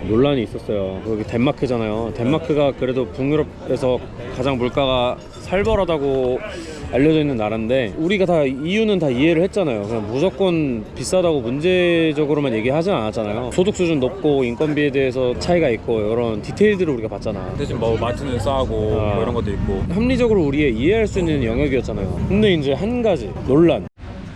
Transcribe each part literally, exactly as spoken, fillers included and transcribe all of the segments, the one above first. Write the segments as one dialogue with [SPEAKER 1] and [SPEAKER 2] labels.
[SPEAKER 1] 논란이 있었어요. 여기 덴마크잖아요. 덴마크가 그래도 북유럽에서 가장 물가가 살벌하다고 알려져 있는 나라인데 우리가 다 이유는 다 이해를 했잖아요. 그냥 무조건 비싸다고 문제적으로만 얘기하진 않았잖아요. 소득 수준 높고 인건비에 대해서 차이가 있고 이런 디테일들을 우리가 봤잖아.
[SPEAKER 2] 대신 뭐 마트는 싸고
[SPEAKER 1] 아.
[SPEAKER 2] 뭐 이런 것도 있고.
[SPEAKER 1] 합리적으로 우리가 이해할 수 있는 영역이었잖아요. 근데 이제 한 가지 논란.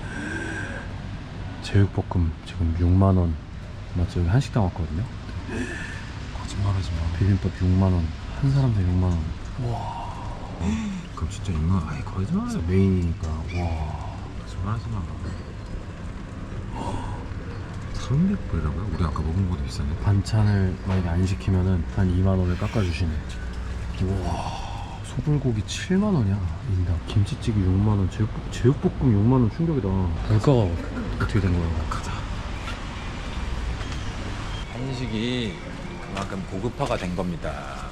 [SPEAKER 1] 제육볶음 지금 육만 원. 맞죠? 여기 한식당 왔거든요.
[SPEAKER 2] 거짓말하지 마.
[SPEAKER 1] 비빔밥 육만 원. 한 사람당 육만 원.
[SPEAKER 2] 와. 그럼 진짜 이거 아예 거짓말.
[SPEAKER 1] 메인이니까. 와.
[SPEAKER 2] 거짓말하지 마. 삼백 불이라고요? 우리 아까 먹은 거보다 비싸네.
[SPEAKER 1] 반찬을 만약에 안 시키면은 한 이만 원을 깎아주시네. 와. 소불고기 칠만 원이야. 인당. 김치찌개 육만 원. 제육, 제육볶음 육만 원 충격이다. 물가가 어떻게 된 거야?
[SPEAKER 2] 가자. 한식이 그만큼 고급화가 된 겁니다.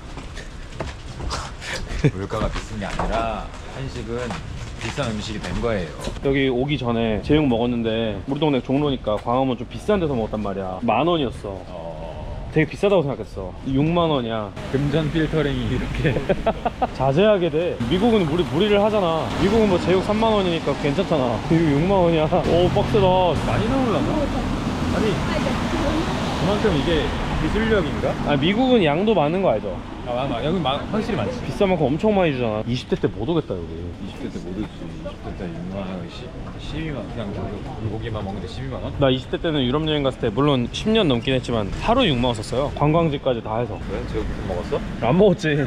[SPEAKER 2] 물가가 비싼 게 아니라 한식은 비싼 음식이 된 거예요.
[SPEAKER 1] 여기 오기 전에 제육 먹었는데 우리 동네 종로니까 광화문 좀 비싼 데서 먹었단 말이야. 만 원이었어.
[SPEAKER 2] 어...
[SPEAKER 1] 되게 비싸다고 생각했어. 육만 원이야.
[SPEAKER 2] 금전 필터링이 이렇게
[SPEAKER 1] 자제하게 돼. 미국은 우리 무리를 하잖아. 미국은 뭐 제육 삼만 원이니까 괜찮잖아. 이거 육만 원이야. 오 빡세다.
[SPEAKER 2] 많이 나올라나? 아니 그만큼 이게 기술력인가?
[SPEAKER 1] 아 미국은 양도 많은 거 알죠?
[SPEAKER 2] 아 맞아. 여기 마, 확실히 많지.
[SPEAKER 1] 비싼 만큼 엄청 많이 주잖아. 이십 대 때 못 오겠다 여기.
[SPEAKER 2] 이십 대 때 못 오지. 이십 대 때 육만 원, 십이만 원. 그냥 불고기만 먹는데 십이만 원?
[SPEAKER 1] 나 이십 대 때는 유럽 여행 갔을 때 물론 십 년 넘긴 했지만 하루에 육만 원 썼어요. 관광지까지 다 해서.
[SPEAKER 2] 왜? 제육볶음 먹었어?
[SPEAKER 1] 안 먹었지.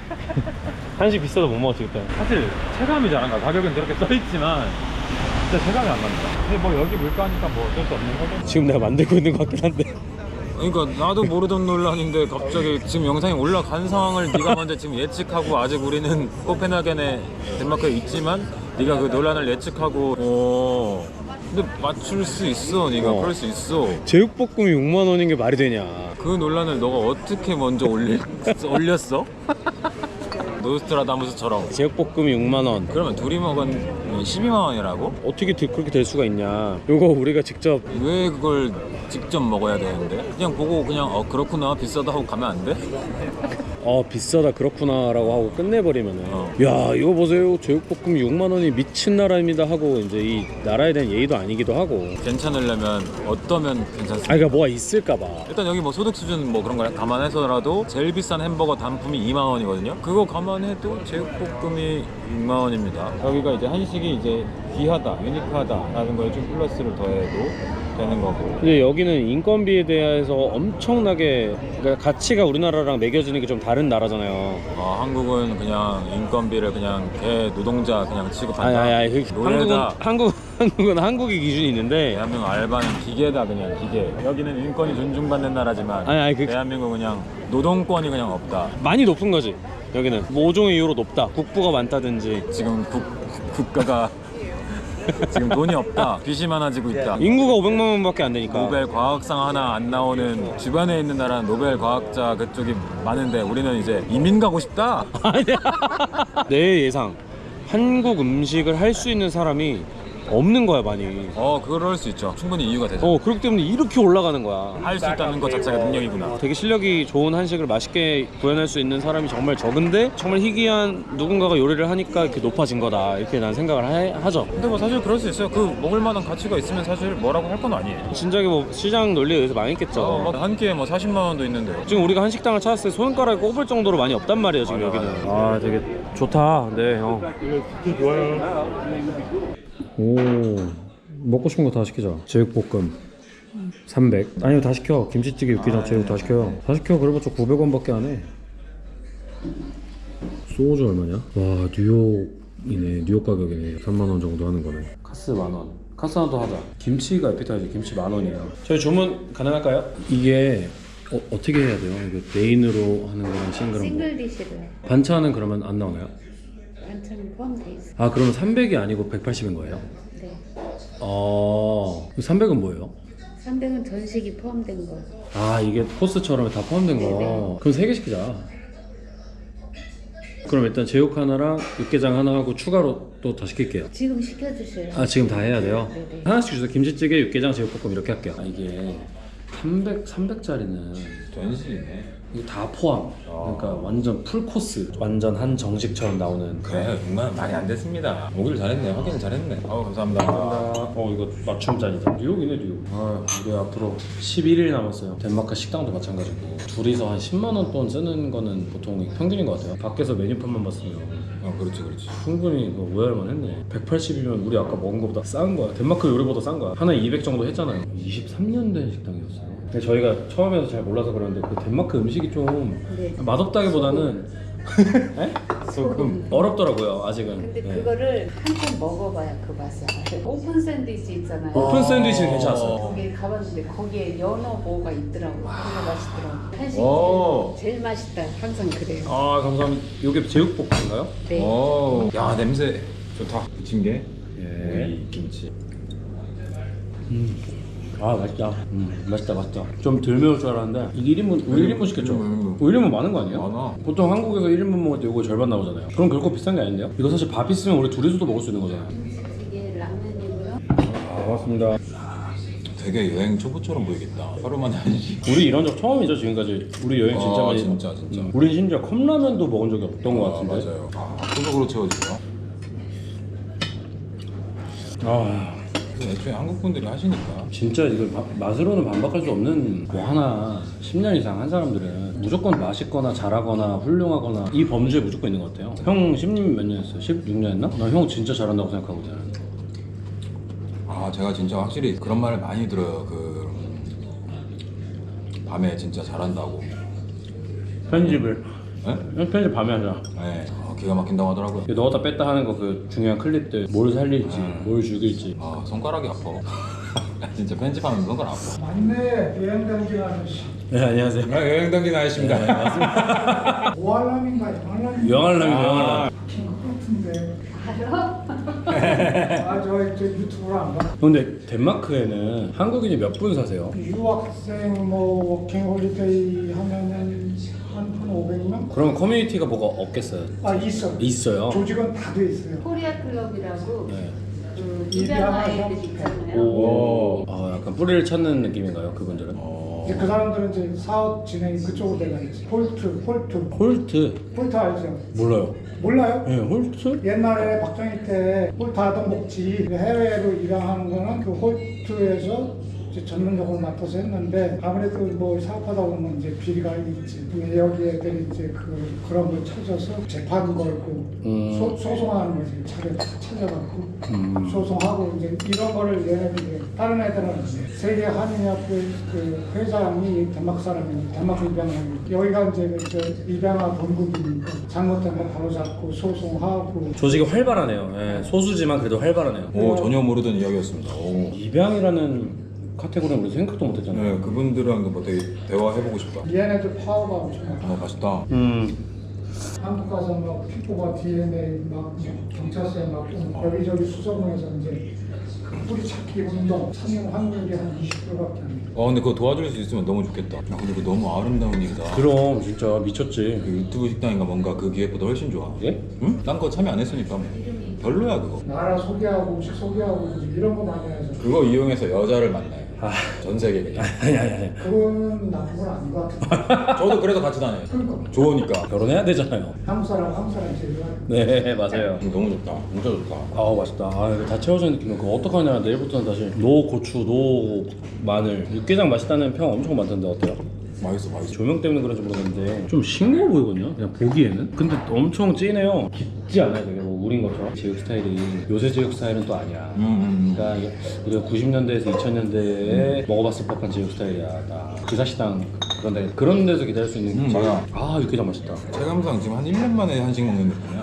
[SPEAKER 1] 한식 비싸도 못 먹었지 그때.
[SPEAKER 2] 사실 체감이 잘 안 가. 가격은 저렇게 써있지만 진짜 체감이 안 간다. 근데 뭐 여기 물가니까 뭐 어쩔 수 없는 거죠.
[SPEAKER 1] 지금 내가 만들고 있는 것 같긴 한데.
[SPEAKER 2] 그러니까 나도 모르던 논란인데 갑자기 지금 영상이 올라간 상황을 네가 먼저 지금 예측하고 아직 우리는 코펜하겐에 덴마크에 있지만 네가 그 논란을 예측하고 어 근데 맞출 수 있어. 네가
[SPEAKER 1] 어.
[SPEAKER 2] 그럴 수 있어.
[SPEAKER 1] 제육볶음이 육만 원인 게 말이 되냐.
[SPEAKER 2] 그 논란을 너가 어떻게 먼저 올릴, 올렸어? 노스트라다무스처럼.
[SPEAKER 1] 제육볶음이 육만 원.
[SPEAKER 2] 그러면 둘이 먹은 십이만 원이라고?
[SPEAKER 1] 어떻게 되- 그렇게 될 수가 있냐. 요거 우리가 직접
[SPEAKER 2] 왜 그걸 직접 먹어야 되는데? 그냥 보고 그냥 어 그렇구나 비싸다 하고 가면 안 돼?
[SPEAKER 1] 어 비싸다 그렇구나 라고 하고 끝내버리면은
[SPEAKER 2] 어.
[SPEAKER 1] 야 이거 보세요 제육볶음 육만 원이 미친 나라입니다 하고 이제 이 나라에 대한 예의도 아니기도 하고.
[SPEAKER 2] 괜찮으려면 어떠면 괜찮습니까?
[SPEAKER 1] 아 그러니까 뭐가 있을까봐.
[SPEAKER 2] 일단 여기 뭐 소득 수준 뭐 그런 거 감안해서라도 제일 비싼 햄버거 단품이 이만 원이거든요. 그거 감안해도 제육볶음이 육만 원입니다. 여기가 이제 한식이 이제 귀하다, 유니크하다라는 걸 좀 플러스를 더해도 되는 거고.
[SPEAKER 1] 근데 여기는 인건비에 대해서 엄청나게 그러니까 가치가 우리나라랑 매겨지는 게 좀 다른 나라잖아요.
[SPEAKER 2] 어, 한국은 그냥 인건비를 그냥 개 노동자 그냥 취급한다.
[SPEAKER 1] 아니 아니 아니 그, 한국은
[SPEAKER 2] 노예다.
[SPEAKER 1] 한국 한국은 한국의 기준이 있는데
[SPEAKER 2] 대한민국 알바는 기계다 그냥 기계. 여기는 인권이 존중받는 나라지만
[SPEAKER 1] 아니 아니 그
[SPEAKER 2] 대한민국 그냥 노동권이 그냥 없다.
[SPEAKER 1] 많이 높은 거지. 여기는 모종의 이유로 높다. 국부가 많다든지
[SPEAKER 2] 지금 국, 국가가 지금 돈이 없다. 빚이 많아지고 있다.
[SPEAKER 1] 인구가 오백만 명밖에 안 되니까.
[SPEAKER 2] 노벨 과학상 하나 안 나오는 주변에 있는 나라는 노벨 과학자 그쪽이 많은데 우리는 이제 이민 가고 싶다.
[SPEAKER 1] 내 예상 한국 음식을 할 수 있는 사람이 없는 거야 많이.
[SPEAKER 2] 어 그럴 수 있죠. 충분히 이유가 되죠.
[SPEAKER 1] 어 그렇기 때문에 이렇게 올라가는 거야.
[SPEAKER 2] 할 수 있다는 것 자체가 능력이구나.
[SPEAKER 1] 되게 실력이 좋은 한식을 맛있게 구현할 수 있는 사람이 정말 적은데 정말 희귀한 누군가가 요리를 하니까 이렇게 높아진 거다 이렇게 난 생각을 하, 하죠.
[SPEAKER 2] 근데 뭐 사실 그럴 수 있어요. 그 먹을 만한 가치가 있으면 사실 뭐라고 할 건 아니에요.
[SPEAKER 1] 진작에 뭐 시장 논리에 의해서 망했겠죠.
[SPEAKER 2] 어, 뭐한 끼에 뭐 사십만 원도 있는데요.
[SPEAKER 1] 지금 우리가 한식당을 찾았을 때 손가락에 꼽을 정도로 많이 없단 말이에요 지금
[SPEAKER 2] 맞아,
[SPEAKER 1] 여기는.
[SPEAKER 2] 맞아.
[SPEAKER 1] 아 되게 좋다. 네 형. 오 먹고 싶은 거 다 시키자. 제육볶음 삼백. 아니요 다 시켜. 김치찌개 육개장 제육 다 시켜요. 다 시켜. 그래봤자 구백 원밖에 안 해. 소주 얼마냐? 와 뉴욕이네. 뉴욕 가격이네. 삼만 원 정도 하는 거네. 카스 만 원. 카스 하나 더 하자. 김치가 에피타이저 김치 만 원이에요. 저희 주문 가능할까요? 이게 어, 어떻게 해야 돼요? 이거 메인으로 하는 거랑 싱글은 뭐?
[SPEAKER 3] 싱글 디시로
[SPEAKER 1] 반찬은 그러면 안 나오나요?
[SPEAKER 3] 반찬 포함돼 있어.
[SPEAKER 1] 아 그러면 삼백이 아니고 백팔십인 거예요?
[SPEAKER 3] 네.
[SPEAKER 1] 어... 삼백은 뭐예요?
[SPEAKER 3] 삼백은 전식이 포함된 거.
[SPEAKER 1] 아 이게 코스처럼 다 포함된 거.
[SPEAKER 3] 네네.
[SPEAKER 1] 그럼 세 개 시키자. 그럼 일단 제육 하나랑 육개장 하나 하고 추가로 또 더 시킬게요.
[SPEAKER 3] 지금 시켜주세요.
[SPEAKER 1] 아 지금 다 해야 돼요?
[SPEAKER 3] 네네.
[SPEAKER 1] 하나씩 주세요. 김치찌개, 육개장, 제육볶음 이렇게 할게요. 아 이게 삼백, 삼백짜리는
[SPEAKER 2] 전시네.
[SPEAKER 1] 이거 다 포함. 그러니까 완전 풀 코스. 완전 한 정식처럼 나오는.
[SPEAKER 2] 그래 육만 많이 안 됐습니다. 오길 잘했네. 확인을 잘했네. 아우 감사합니다.
[SPEAKER 1] 어 이거 맞춤 잔이다. 뉴욕이네 뉴욕. 아 우리 앞으로 십일 일 남았어요. 덴마크 식당도 마찬가지고 둘이서 한 십만 원 돈 쓰는 거는 보통 평균인 것 같아요. 밖에서 메뉴판만 봤으면
[SPEAKER 2] 어 그렇지 그렇지.
[SPEAKER 1] 충분히 그거 오해할만 했네. 백팔십이면 우리 아까 먹은 거보다 싼 거야. 덴마크 요리보다 싼 거야. 하나에 이백 정도 했잖아요. 이십삼 년 된 식당이었어요. 근데 저희가 처음에서 잘 몰라서 그러는데 그 덴마크 음식이 좀
[SPEAKER 3] 네.
[SPEAKER 1] 맛없다기보다는 에?
[SPEAKER 2] 소금.
[SPEAKER 1] 어렵더라고요 아직은.
[SPEAKER 3] 근데
[SPEAKER 1] 네.
[SPEAKER 3] 그거를 한 번 먹어봐야 그 맛이 알아요. 오픈 샌드위치 있잖아요.
[SPEAKER 1] 오픈 샌드위치는 괜찮았어요.
[SPEAKER 3] 거기 가봤는데 거기에 연어 뭐가 있더라고. 그게 맛있더라고. 한식
[SPEAKER 2] 오.
[SPEAKER 3] 제일, 제일 맛있다. 항상 그래요.
[SPEAKER 1] 아 감사합니다. 이게 제육볶음인가요?
[SPEAKER 3] 네.
[SPEAKER 2] 오. 야 냄새 좋다. 부친 게.
[SPEAKER 1] 예.
[SPEAKER 2] 이 김치.
[SPEAKER 1] 아 맛있다. 음, 맛있다 맛있다. 좀 덜 매울 줄 알았는데 이게 일 인분 우리 일 인분 시켰죠?
[SPEAKER 2] 일 인분, 일 인분.
[SPEAKER 1] 일 인분 많은 거 아니에요?
[SPEAKER 2] 많아.
[SPEAKER 1] 보통 한국에서 일 인분 먹을 때 이거 절반 나오잖아요. 그럼 결코 비싼 게 아닌데요? 이거 사실 밥 있으면 우리 둘이서도 먹을 수 있는 거잖아요.
[SPEAKER 3] 이게 라면이고요.
[SPEAKER 1] 아 고맙습니다.
[SPEAKER 2] 되게 여행 초보처럼 보이겠다. 하루 만에 한식.
[SPEAKER 1] 우리 이런 적 처음이죠 지금까지. 우리 여행 진짜
[SPEAKER 2] 아,
[SPEAKER 1] 많이.
[SPEAKER 2] 진짜, 진짜.
[SPEAKER 1] 음, 우리 심지어 컵라면도 먹은 적이 없던 것
[SPEAKER 2] 아,
[SPEAKER 1] 같은데.
[SPEAKER 2] 맞아요. 아, 소속으로 채워지죠.
[SPEAKER 1] 아
[SPEAKER 2] 그래서 애초에 한국 분들이 하시니까.
[SPEAKER 1] 진짜 이걸 바- 맛으로는 반박할 수 없는 뭐 하나 십 년 이상 한 사람들은 무조건 맛있거나 잘하거나 훌륭하거나 이 범주에 무조건 있는 것 같아요. 형 십님 몇 년 했어요? 십육 년 했나? 나 형 진짜 잘한다고 생각하거든.
[SPEAKER 2] 아 제가 진짜 확실히 그런 말을 많이 들어요. 그 밤에 진짜 잘한다고.
[SPEAKER 1] 편집을
[SPEAKER 2] 네?
[SPEAKER 1] 편집 밤에 하자.
[SPEAKER 2] 네. 아, 기가 막힌다고 하더라고요.
[SPEAKER 1] 이거 넣었다 뺐다 하는 거 그 중요한 클립들 뭘 살릴지 뭘 죽일지.
[SPEAKER 2] 아 손가락이 아파. 진짜 편집하면 손가락 아파.
[SPEAKER 4] 맞네, 여행 당긴 아저씨.
[SPEAKER 1] 네 안녕하세요.
[SPEAKER 2] 아, 여행 당긴 아저씨입니다.
[SPEAKER 1] 네, 맞습니다.
[SPEAKER 4] 오알람인가 영알람인가?
[SPEAKER 1] 영알람이
[SPEAKER 2] 아.
[SPEAKER 1] 영알람.
[SPEAKER 4] 것 같은데. 아, 저, 저 유튜브를 안 봐.
[SPEAKER 1] 근데 덴마크에는 한국인이 몇 분 사세요?
[SPEAKER 4] 유학생 뭐 워킹 홀리데이 하면은 한, 한 오백 명?
[SPEAKER 1] 그럼 커뮤니티가 뭐가 없겠어요?
[SPEAKER 4] 아, 있어.
[SPEAKER 1] 있어요.
[SPEAKER 4] 조직은 다 돼 있어요.
[SPEAKER 3] 코리아 클럽이라고
[SPEAKER 1] 네.
[SPEAKER 3] 그
[SPEAKER 4] 입양
[SPEAKER 3] 입양
[SPEAKER 4] 아이들
[SPEAKER 3] 아이들 있잖아요.
[SPEAKER 1] 오. 아 약간 뿌리를 찾는 느낌인가요 그분들은?
[SPEAKER 4] 이제 그 사람들은 이제 사업 진행이 그쪽으로 돼가 있지. 홀트, 홀트.
[SPEAKER 1] 홀트
[SPEAKER 4] 홀트 알죠?
[SPEAKER 1] 몰라요.
[SPEAKER 4] 몰라요?
[SPEAKER 1] 네 홀트?
[SPEAKER 4] 옛날에 박정희 때 홀트 하던 목지 해외로 입양하는 거는 그 홀트에서 이제 전문적으로 맡아서 했는데 아무래도 뭐 사업하다 보면 이제 비리가 있지. 근데 여기 애들이 이제 그 그런 걸 찾아서 재판 걸고
[SPEAKER 1] 음.
[SPEAKER 4] 소, 소송하는 거지. 차례 찾아갖고
[SPEAKER 1] 음.
[SPEAKER 4] 소송하고 이제 이런 거를 얘네들이 다른 애들은 이제 세계 한인협회 그 회장이 덴마크 사람이니 덴마크 입양하는 여기가 이제 그 저 입양아 본국이니까 잘못된 거 바로 잡고 소송하고
[SPEAKER 1] 조직이 활발하네요. 예, 소수지만 그래도 활발하네요.
[SPEAKER 2] 오 전혀 모르던 이야기였습니다. 오.
[SPEAKER 1] 입양이라는 카테고리는 우리 생각도 못했잖아요.
[SPEAKER 2] 네 그분들랑 뭐 되게 대화해보고 싶다.
[SPEAKER 4] 얘네들 파워가 엄청 많아.
[SPEAKER 2] 아 맛있다.
[SPEAKER 1] 음.
[SPEAKER 4] 한국 가서 막 피부가 디엔에이 막 경찰서에 막 여기저기 수소문해서 이제 그 뿌리 찾기 운동 참여 확률이 한 이십 퍼센트밖에 안 돼.
[SPEAKER 2] 아 근데 그거 도와줄 수 있으면 너무 좋겠다. 야, 근데 그거 너무 아름다운 일이다.
[SPEAKER 1] 그럼 진짜 미쳤지.
[SPEAKER 2] 그 유튜브 식당인가 뭔가 그 기획보다 훨씬 좋아.
[SPEAKER 1] 예?
[SPEAKER 2] 응? 딴 거 참여 안 했으니까 뭐. 별로야 그거.
[SPEAKER 4] 나라 소개하고 음식 소개하고 이런 거 많이 해서
[SPEAKER 2] 그거 이용해서 여자를 만나요.
[SPEAKER 1] 아.
[SPEAKER 2] 전 세계 그냥.
[SPEAKER 1] 아니 아니 아니.
[SPEAKER 4] 그건 나쁜 건 아닌 것 같아.
[SPEAKER 2] 저도 그래서 같이 다녀요.
[SPEAKER 4] 그러니까
[SPEAKER 2] 좋으니까.
[SPEAKER 1] 결혼해야 되잖아요.
[SPEAKER 4] 한국 사람 한국 사람 제일 좋아.
[SPEAKER 1] 네 맞아요.
[SPEAKER 2] 음, 너무 좋다. 진짜 좋다.
[SPEAKER 1] 아 맛있다. 아 이거 다 채워진 느낌이야. 그거 어떡하냐. 내일부터는 다시 노 고추, 노 마늘. 육개장 맛있다는 평 엄청 많던데 어때요?
[SPEAKER 2] 맛있어 맛있어.
[SPEAKER 1] 조명 때문에 그런지 모르겠는데 좀 싱거워 보이거든요. 그냥 보기에는. 근데 엄청 진해요. 깊지 않아요. 되게 뭐 우린 것처럼. 제육 스타일이 요새 제육 스타일은 또 아니야.
[SPEAKER 2] 음, 음, 음.
[SPEAKER 1] 그러니까 이게 우리가 구십 년대에서 이천 년대에 먹어봤을 법한 제육 스타일이야. 나 기사식당 그런 데 그런 데서 기다릴 수 있는
[SPEAKER 2] 음,
[SPEAKER 1] 제육.
[SPEAKER 2] 맞아.
[SPEAKER 1] 아 육개장 맛있다.
[SPEAKER 2] 체감상 지금 한 일 년 만에 한식 먹는 느낌이야.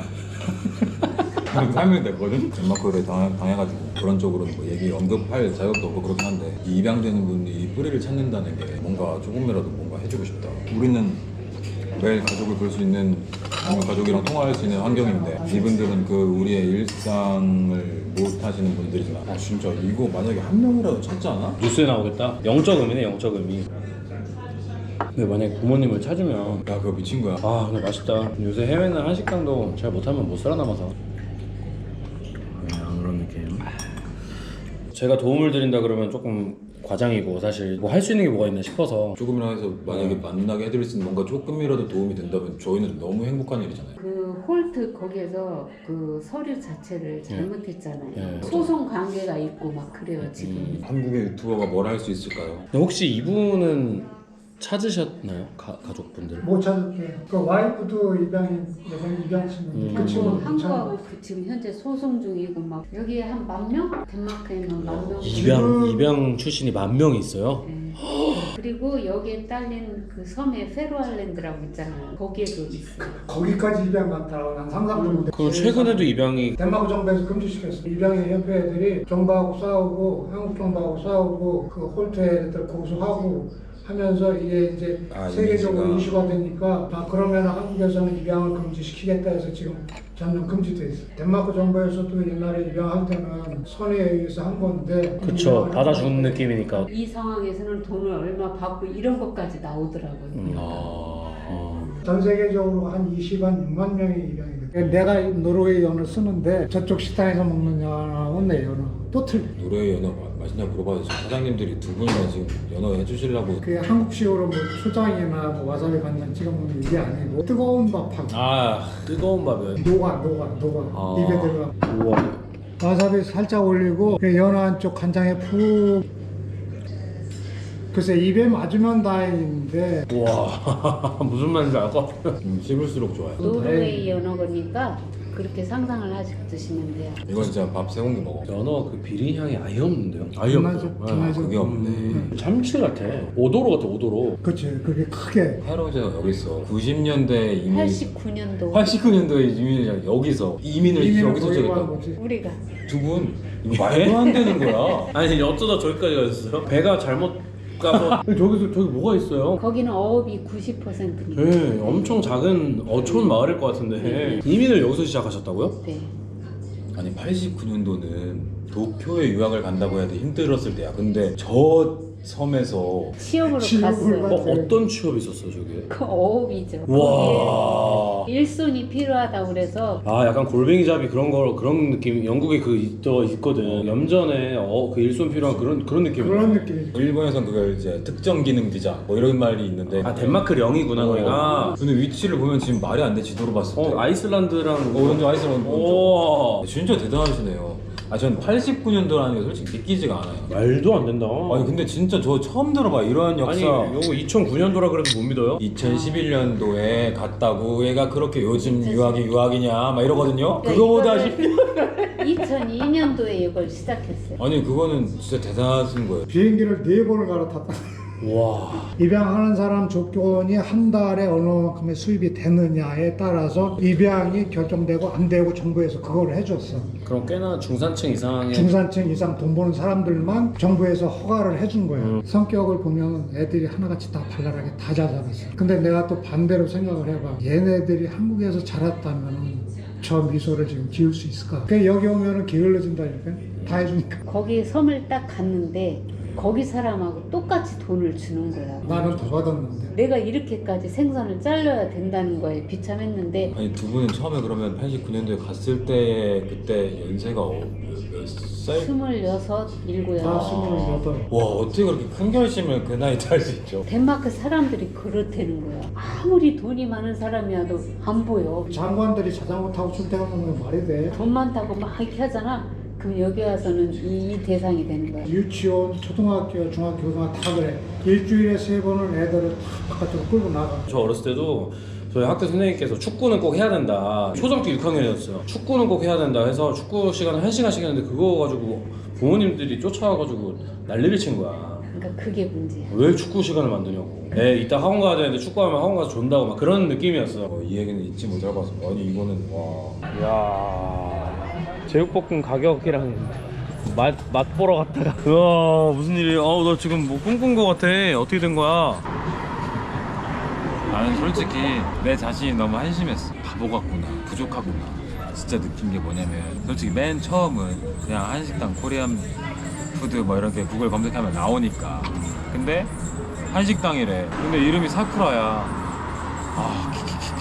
[SPEAKER 2] 한 삼 일 됐거든? 덴마크를 당, 당해가지고 그런 쪽으로 뭐 얘기 언급할 자격도 없고 그렇긴 한데 이 입양되는 분이 뿌리를 찾는다는 게 뭔가 조금이라도 뭔가 해주고 싶다. 우리는 매일 가족을 볼 수 있는 가족이랑 통화할 수 있는 환경인데 이분들은 그 우리의 일상을 못 하시는 분들이지만 아 진짜 이거 만약에 한 명이라도 찾지 않아?
[SPEAKER 1] 뉴스에 나오겠다. 영적 의미네 영적 의미. 근데 만약에 부모님을 찾으면
[SPEAKER 2] 야 그거 미친 거야.
[SPEAKER 1] 아 근데 맛있다. 요새 해외는 한식당도 잘 못하면 못 살아남아서 그냥 그런 느낌. 제가 도움을 드린다 그러면 조금 과장이고 사실 뭐 할 수 있는 게 뭐가 있나 싶어서.
[SPEAKER 2] 조금이라도 해서 만약에 만나게 해드릴 수 있는 뭔가 조금이라도 도움이 된다면 저희는 너무 행복한 일이잖아요.
[SPEAKER 3] 그 홀트 거기에서 그 서류 자체를 잘못했잖아요.
[SPEAKER 1] 네.
[SPEAKER 3] 소송 관계가 있고 막 그래요 지금.
[SPEAKER 2] 한국의 유튜버가 뭘 할 수 있을까요?
[SPEAKER 1] 근데 혹시 이분은 찾으셨나요? 가, 가족분들?
[SPEAKER 4] 못 찾을게요. 그 와이프도 입양 예전 입양했는데
[SPEAKER 1] 음.
[SPEAKER 4] 그 친구는 못 찾아.
[SPEAKER 3] 한국하고 그 지금 현재 소송 중이고 막 여기에 한 만 명? 덴마크에는 만 명.
[SPEAKER 1] 입양 입양 출신이 만 명이 있어요.
[SPEAKER 3] 네. 그리고 여기에 딸린 그 섬에 페로알랜드라고 있잖아요. 거기에도 있어요.
[SPEAKER 4] 거기까지 입양 많다고 난 상상도 못해.
[SPEAKER 1] 그리고 최근에도 입양이
[SPEAKER 4] 덴마크 정부에서 금지시켰어. 입양의 협회 애들이 정부하고 싸우고 한국 정부하고 싸우고 그 홀트 애들 고소하고 하면서 이게 이제
[SPEAKER 2] 아,
[SPEAKER 4] 세계적으로
[SPEAKER 2] 이미지가.
[SPEAKER 4] 이슈가 되니까 아 그러면 한국에서는 입양을 금지시키겠다 해서 지금 전면 금지돼 있어. 덴마크 정부에서도 옛날에 입양할 때는 선의에 의해서 한 건데
[SPEAKER 1] 그쵸
[SPEAKER 4] 입양을
[SPEAKER 1] 받아주는
[SPEAKER 4] 한 건데
[SPEAKER 1] 느낌이니까.
[SPEAKER 3] 이 상황에서는 돈을 얼마 받고 이런 것까지 나오더라고요.
[SPEAKER 1] 음.
[SPEAKER 2] 아...
[SPEAKER 4] 전 세계적으로 한 이십만, 육만 명이 입양이 돼. 내가 노르웨이 연어 쓰는데 저쪽 식당에서 먹는 연어는 내 연어 또 틀려.
[SPEAKER 2] 노래 연어 마- 맛있냐 물어봐서 지금 사장님들이 두 분이나 지금 연어 해주시려고.
[SPEAKER 4] 그게 한국식으로 뭐 초장이나 뭐 와사비 간장 찍어 먹는 이게 아니고 뜨거운 밥하고
[SPEAKER 1] 아 뜨거운 밥이요.
[SPEAKER 4] 녹아 녹아 녹아
[SPEAKER 2] 아.
[SPEAKER 4] 입에 들어가.
[SPEAKER 1] 우와.
[SPEAKER 4] 와사비 살짝 올리고 그 연어 한쪽 간장에 푹. 글쎄 입에 맞으면 다행인데
[SPEAKER 1] 우와 무슨 말인지 알 것 같아요.
[SPEAKER 2] 음, 씹을수록 좋아요.
[SPEAKER 3] 노르웨이 연어거니까 그렇게 상상을 하시고 드시면 돼요.
[SPEAKER 2] 이건 진짜 밥 세 공기 먹어.
[SPEAKER 1] 연어 그 비린 향이 아예 없는데요? 아예
[SPEAKER 4] 기마죠,
[SPEAKER 1] 없죠.
[SPEAKER 4] 기마죠.
[SPEAKER 2] 그게 없네.
[SPEAKER 1] 음, 참치 같아. 오도로 같아 오도로.
[SPEAKER 4] 그치 그게 크게
[SPEAKER 2] 할아버지가 여기 있어. 구십 년대 이민.
[SPEAKER 3] 팔십구 년도
[SPEAKER 2] 팔십구 년도에 이민을 여기서 이민을
[SPEAKER 4] 이민을
[SPEAKER 2] 여기서
[SPEAKER 4] 거기로
[SPEAKER 2] 저기다.
[SPEAKER 4] 한 거지.
[SPEAKER 3] 우리가
[SPEAKER 2] 두 분 이거 말도 안 되는 거야.
[SPEAKER 1] 아니 어쩌다 저기까지 가셨어요? 배가 잘못 가서 저기서 저기 뭐가 있어요?
[SPEAKER 3] 거기는 어업이 구십 퍼센트니까.
[SPEAKER 1] 네, 엄청 작은 어촌 마을일 것 같은데 이민을 여기서 시작하셨다고요?
[SPEAKER 3] 네.
[SPEAKER 2] 아니 팔십구 년도는 도쿄에 유학을 간다고 해도 힘들었을 때야. 근데 저 섬에서
[SPEAKER 3] 취업으로
[SPEAKER 4] 취업을
[SPEAKER 3] 갔어요.
[SPEAKER 4] 받-
[SPEAKER 1] 어, 어떤 취업이 있었어 저게?
[SPEAKER 3] 그 어업이죠.
[SPEAKER 1] 와.
[SPEAKER 3] 거기에 일손이 필요하다고 그래서
[SPEAKER 1] 아 약간 골뱅이잡이 그런 거 그런 느낌 영국에 그 있더 있거든. 염전에 어, 그 일손 필요한 그런 그런 느낌.
[SPEAKER 4] 그런 느낌이죠.
[SPEAKER 2] 일본에선 그걸 이제 특정 기능 비자 뭐 이런 말이 있는데.
[SPEAKER 1] 아 덴마크령이구나 거기가.
[SPEAKER 2] 어. 근데 위치를 보면 지금 말이 안 돼. 지도로 봤을 때.
[SPEAKER 1] 어 아이슬란드랑
[SPEAKER 2] 어, 오른쪽 아이슬란드.
[SPEAKER 1] 오.
[SPEAKER 2] 오른쪽. 진짜 대단하시네요. 아, 전 팔십구 년도라는 게 솔직히 믿기지가 않아요.
[SPEAKER 1] 말도 안 된다.
[SPEAKER 2] 아니 근데 진짜 저 처음 들어봐 이러한 역사.
[SPEAKER 1] 아니 요거 이천구 년도라 그래도 못 믿어요?
[SPEAKER 2] 이천십일 년도에 갔다고 얘가 그렇게 요즘 유학이 유학이냐 막 이러거든요.
[SPEAKER 3] 그러니까
[SPEAKER 2] 그거보다
[SPEAKER 3] 이거를 이천이 년도에 이걸 시작했어요.
[SPEAKER 2] 아니 그거는 진짜 대단하신 거예요.
[SPEAKER 4] 비행기를 네 번을 갈아탔다.
[SPEAKER 1] 와.
[SPEAKER 4] 입양하는 사람 조건이 한 달에 어느 만큼의 수입이 되느냐에 따라서 입양이 결정되고 안 되고 정부에서 그걸 해줬어.
[SPEAKER 1] 그럼 꽤나 중산층 이상의
[SPEAKER 4] 중산층 이상 돈 버는 사람들만 정부에서 허가를 해준 거야.
[SPEAKER 1] 음.
[SPEAKER 4] 성격을 보면 애들이 하나같이 다 발랄하게 다 잘 자랐어. 근데 내가 또 반대로 생각을 해봐. 얘네들이 한국에서 자랐다면 저 미소를 지금 지을 수 있을까? 그 여기 오면은 게을러진다니까. 다 해주니까.
[SPEAKER 3] 거기 섬을 딱 갔는데 거기 사람하고 똑같이 돈을 주는 거야.
[SPEAKER 4] 나는 더 받았는데.
[SPEAKER 3] 내가 이렇게까지 생선을 잘라야 된다는 거에 비참했는데
[SPEAKER 2] 아니 두 분은 처음에 그러면 팔십구 년도에 갔을 때 그때 연세가 어, 몇 살?
[SPEAKER 3] 스물여섯, 일곱,
[SPEAKER 4] 나
[SPEAKER 3] 여덟.
[SPEAKER 4] 스물여덟.
[SPEAKER 2] 와 어떻게 그렇게 큰 결심을 그 나이 때 할 수 있죠?
[SPEAKER 3] 덴마크 사람들이 그렇다는 거야. 아무리 돈이 많은 사람이어도 안 보여.
[SPEAKER 4] 장관들이 자전거 타고 출퇴근하는 건 말이 돼.
[SPEAKER 3] 돈 많다고 막 이렇게 하잖아. 그럼 여기 와서는 이, 이 대상이 되는 거야.
[SPEAKER 4] 유치원, 초등학교, 중학교, 고등학교 다 그래. 일주일에 세 번은 애들을 다 바깥으로 끌고 나가.
[SPEAKER 1] 저 어렸을 때도 저희 학교 선생님께서 축구는 꼭 해야 된다. 초등학교 육 학년이었어요. 축구는 꼭 해야 된다 해서 축구 시간을 한 시간씩 했는데 그거 가지고 부모님들이 쫓아와가지고 난리를 친 거야.
[SPEAKER 3] 그러니까 그게 문제야.
[SPEAKER 1] 왜 축구 시간을 만드냐고. 애 이따 학원 가야 되는데 축구하면 학원 가서 존다고 막 그런 느낌이었어.
[SPEAKER 2] 어, 이 얘기는 잊지 못할 것 같습니다. 아니 이거는 와.
[SPEAKER 1] 이야 제육볶음 가격이랑 맛, 맛 보러 갔다가 우와 무슨 일이야. 어우 너 지금 뭐 꿈꾼 거 같아. 어떻게 된 거야?
[SPEAKER 2] 나는 솔직히 내 자신이 너무 한심했어. 바보 같구나, 부족하구나. 진짜 느낀 게 뭐냐면 솔직히 맨 처음은 그냥 한식당 코리안 푸드 뭐 이렇게 구글 검색하면 나오니까. 근데 한식당이래. 근데 이름이 사쿠라야. 아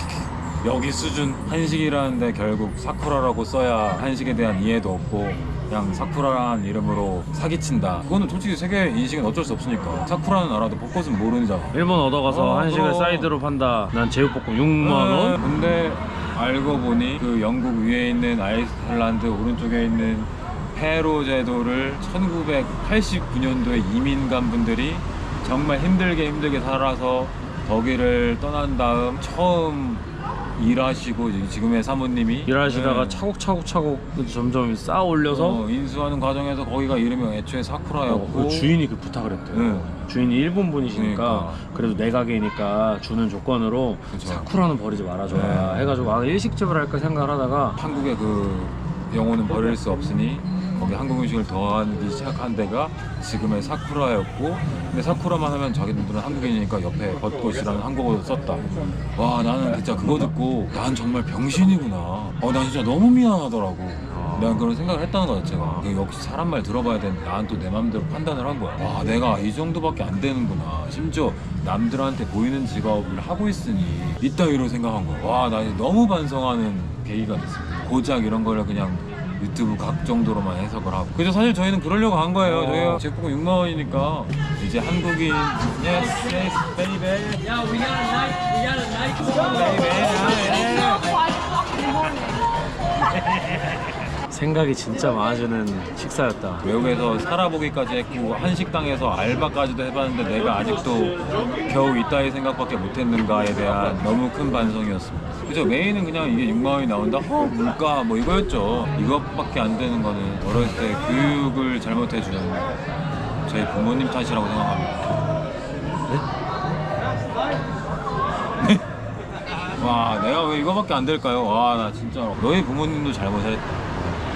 [SPEAKER 2] 키키키키. 여기 수준 한식이라는데 결국 사쿠라라고 써야 한식에 대한 이해도 없고 그냥 사쿠라라는 이름으로 사기친다. 그거는 솔직히 세계 인식은 어쩔 수 없으니까. 사쿠라는 알아도 벚꽃은 모르잖아.
[SPEAKER 1] 일본 얻어가서
[SPEAKER 2] 어,
[SPEAKER 1] 한식을
[SPEAKER 2] 그럼.
[SPEAKER 1] 사이드로 판다. 난 제육볶음 육만 원.
[SPEAKER 2] 네, 근데 알고 보니 그 영국 위에 있는 아이슬란드 오른쪽에 있는 페로 제도를 천구백팔십구 년도에 이민간 분들이 정말 힘들게 힘들게 살아서 독일을 떠난 다음 처음 일하시고 지금의 사모님이
[SPEAKER 1] 일하시다가
[SPEAKER 2] 네.
[SPEAKER 1] 차곡차곡차곡 점점 쌓아 올려서
[SPEAKER 2] 어, 인수하는 과정에서 거기가 이름이 애초에 사쿠라였고
[SPEAKER 1] 어, 그 주인이 그 부탁을 했대요.
[SPEAKER 2] 네.
[SPEAKER 1] 주인이 일본 분이시니까
[SPEAKER 2] 그러니까.
[SPEAKER 1] 그래도 내 가게니까 주는 조건으로
[SPEAKER 2] 그쵸.
[SPEAKER 1] 사쿠라는 버리지 말아줘라
[SPEAKER 2] 네.
[SPEAKER 1] 해가지고 아 일식집을 할까 생각을 하다가
[SPEAKER 2] 한국의 그 영혼은 버릴 수 없으니 거기 한국 음식을 더하기 시작한 데가 지금의 사쿠라였고, 근데 사쿠라만 하면 자기들은 한국인이니까 옆에 벚꽃이라는 한국어도 썼다. 와, 나는 진짜 그거 듣고 난 정말 병신이구나. 어, 난 진짜 너무 미안하더라고. 난 그런 생각을 했다는 거 자체가. 그 역시 사람 말 들어봐야 되는데 난 또 내 맘대로 판단을 한 거야. 와, 내가 이 정도밖에 안 되는구나. 심지어 남들한테 보이는 직업을 하고 있으니 이따위로 생각한 거야. 와, 나 너무 반성하는 계기가 됐습니다. 고작 이런 거를 그냥 유튜브 각 정도로만 해석을 하고. 그죠, 사실 저희는 그러려고 한 거예요.
[SPEAKER 1] 어.
[SPEAKER 2] 저희가 제육볶음 육만 원이니까 이제 한국인 yes yes baby
[SPEAKER 5] Yeah, we got a night. We got a night.
[SPEAKER 2] baby
[SPEAKER 1] 생각이 진짜 많아지는 식사였다.
[SPEAKER 2] 외국에서 살아보기까지 했고 한식당에서 알바까지도 해봤는데 내가 아직도 겨우 이따위 생각밖에 못했는가에 대한 너무 큰 반성이었습니다. 그죠, 메인은 그냥 이게 육만 원이 나온다? 허, 물가 뭐 이거였죠. 이것밖에 안 되는 거는 어렸을 때 교육을 잘못해준 저희 부모님 탓이라고 생각합니다. 네? 와, 내가 왜 이거밖에 안 될까요? 와, 나 진짜 너희 부모님도 잘못했다.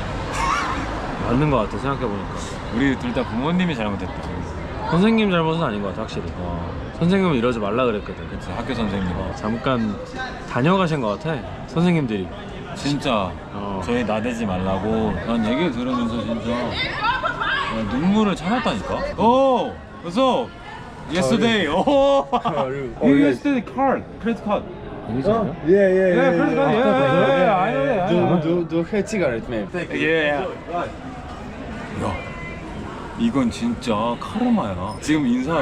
[SPEAKER 1] 맞는 것 같아 생각해보니까.
[SPEAKER 2] 우리 둘 다 부모님이 잘못했다.
[SPEAKER 1] 선생님 잘못은 아닌 것 같아 확실히. 어. 선생님은 이러지 말라 그랬거든.
[SPEAKER 2] 그치, 학교 선생님.
[SPEAKER 1] 어, 잠깐 다녀가신 것 같아 선생님들이.
[SPEAKER 2] 진짜
[SPEAKER 1] 어.
[SPEAKER 2] 저희 나대지 말라고 난 얘기를 들으면서 진짜 야, 눈물을 참았다니까. 오! 그래서 yesterday. 오! You yesterday card, credit card.
[SPEAKER 1] 아니지 않냐?
[SPEAKER 6] Yeah, yeah, yeah.
[SPEAKER 2] Yeah, credit card. Yeah, yeah, yeah. I know that. I know that.
[SPEAKER 6] Do, do, do her cigarette, maybe.
[SPEAKER 2] Yeah. 야, 이건 진짜 카르마야. 지금 인사한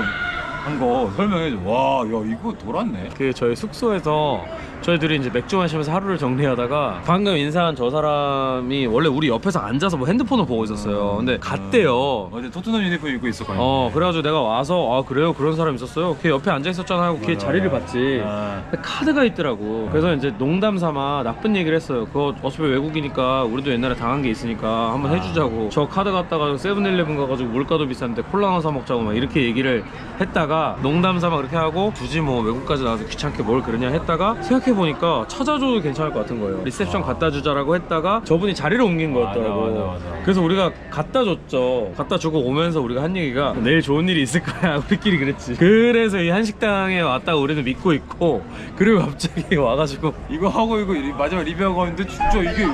[SPEAKER 2] 거 설명해줘. 와, 야, 이거 돌았네.
[SPEAKER 1] 그 저희 숙소에서 저희들이 이제 맥주 마시면서 하루를 정리하다가 방금 인사한 저 사람이 원래 우리 옆에서 앉아서 뭐 핸드폰을 보고 있었어요. 근데 갔대요.
[SPEAKER 2] 어제 토트넘 유니폼 입고 있었거든요.
[SPEAKER 1] 어 그래가지고 내가 와서 아 그래요 그런 사람 있었어요. 걔 옆에 앉아 있었잖아 하고 걔
[SPEAKER 2] 맞아,
[SPEAKER 1] 자리를
[SPEAKER 2] 맞아.
[SPEAKER 1] 봤지.
[SPEAKER 2] 아.
[SPEAKER 1] 근데 카드가 있더라고. 그래서 이제 농담 삼아 나쁜 얘기를 했어요. 그거 어차피 외국이니까 우리도 옛날에 당한 게 있으니까 한번
[SPEAKER 2] 아.
[SPEAKER 1] 해주자고. 저 카드 갖다가 세븐일레븐 가가지고 물가도 비싼데 콜라 하나 사 먹자고 막 이렇게 얘기를 했다가 농담 삼아 그렇게 하고 굳이 뭐 외국까지 나와서 귀찮게 뭘 그러냐 했다가 생각해보니까 찾아줘도 괜찮을 것 같은 거예요. 리셉션 갖다 주자라고 했다가 저분이 자리를 옮긴 거였더라고.
[SPEAKER 2] 맞아, 맞아, 맞아.
[SPEAKER 1] 그래서 우리가 갖다 줬죠. 갖다 주고 오면서 우리가 한 얘기가 내일 좋은 일이 있을 거야. 우리끼리 그랬지. 그래서 이 한식당에 왔다가 우리는 믿고 있고 그리고 갑자기 와가지고
[SPEAKER 2] 이거 하고 이거 리- 마지막 리뷰하고 하는데 진짜 이게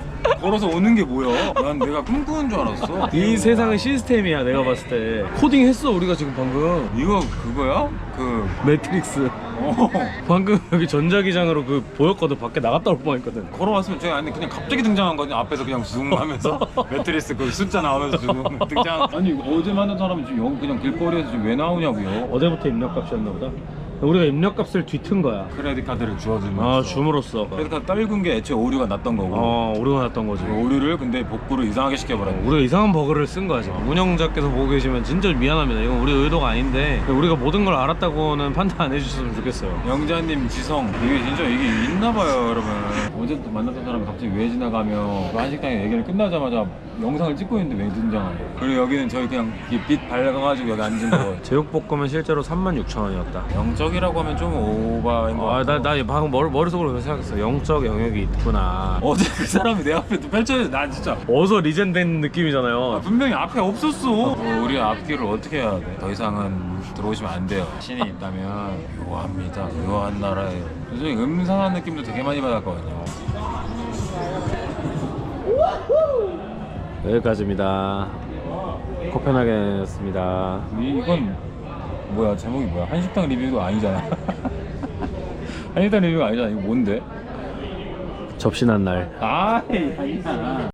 [SPEAKER 2] 걸어서 오는 게 뭐야? 난 내가 꿈꾸는 줄 알았어.
[SPEAKER 1] 이 세상은 시스템이야. 내가 봤을 때 코딩 했어 우리가 지금 방금.
[SPEAKER 2] 이거 그거야? 그
[SPEAKER 1] 매트릭스.
[SPEAKER 2] 어.
[SPEAKER 1] 방금 여기 전자기장으로 그 보였거든. 밖에 나갔다 올 뻔했거든.
[SPEAKER 2] 걸어왔으면 제가 아니 그냥 갑자기 등장한 거지. 앞에서 그냥 줌 하면서 매트리스 그 숫자 나오면서 줌 등장. 아니 어제 만난 사람이 지금 여기 그냥 길거리에서 지금 왜 나오냐고요?
[SPEAKER 1] 어제부터 입력값이었나 보다. 우리가 입력값을 뒤튼 거야.
[SPEAKER 2] 크레딧 카드를 주어주면서.
[SPEAKER 1] 아 줌으로써.
[SPEAKER 2] 크레딧 카드 떨군 게 애초에 오류가 났던 거고.
[SPEAKER 1] 어 우리가 났던 거지.
[SPEAKER 2] 그 오류를 근데 복구를 이상하게 시켜버렸네.
[SPEAKER 1] 우리가 이상한 버그를 쓴 거야 지금. 운영자께서 보고 계시면 진짜 미안합니다. 이건 우리 의도가 아닌데 우리가 모든 걸 알았다고는 판단 안 해주셨으면 좋겠어요.
[SPEAKER 2] 영자님, 지성, 이게 진짜 이게 있나봐요, 여러분. 어제 또 만났던 사람이 갑자기 왜 지나가며 그 한식당에 얘기를 끝나자마자 영상을 찍고 있는데 왜 등장하냐. 그리고 여기는 저희 그냥 이 빛 밝아가지고 여기 앉은 거.
[SPEAKER 1] 제육볶음은 실제로 삼만 육천 원이었다.
[SPEAKER 2] 영적이라고 하면 좀 오바인 거 같고.
[SPEAKER 1] 아나 나 방금 머리, 머릿속으로 그렇게 생각했어. 영적 영역이 있구나.
[SPEAKER 2] 어제 그 사람이 내 앞에 또 펼쳐져. 난 진짜
[SPEAKER 1] 어서 리젠된 느낌이잖아요.
[SPEAKER 2] 아, 분명히 앞에 없었어. 어, 우리 앞길을 어떻게 해야 돼? 더 이상은 들어오시면 안 돼요. 신이 있다면 묘합니다. 묘한 나라예요. 요즘에 음산한 느낌도 되게 많이 받았거든요.
[SPEAKER 1] 여기까지입니다. 코펜하겐이었습니다.
[SPEAKER 2] 이, 이건 뭐야? 제목이 뭐야? 한식당 리뷰도 아니잖아. 한식당 리뷰가 아니잖아. 이거 뭔데?
[SPEAKER 1] 접신한 날.
[SPEAKER 2] 아이, 아니야.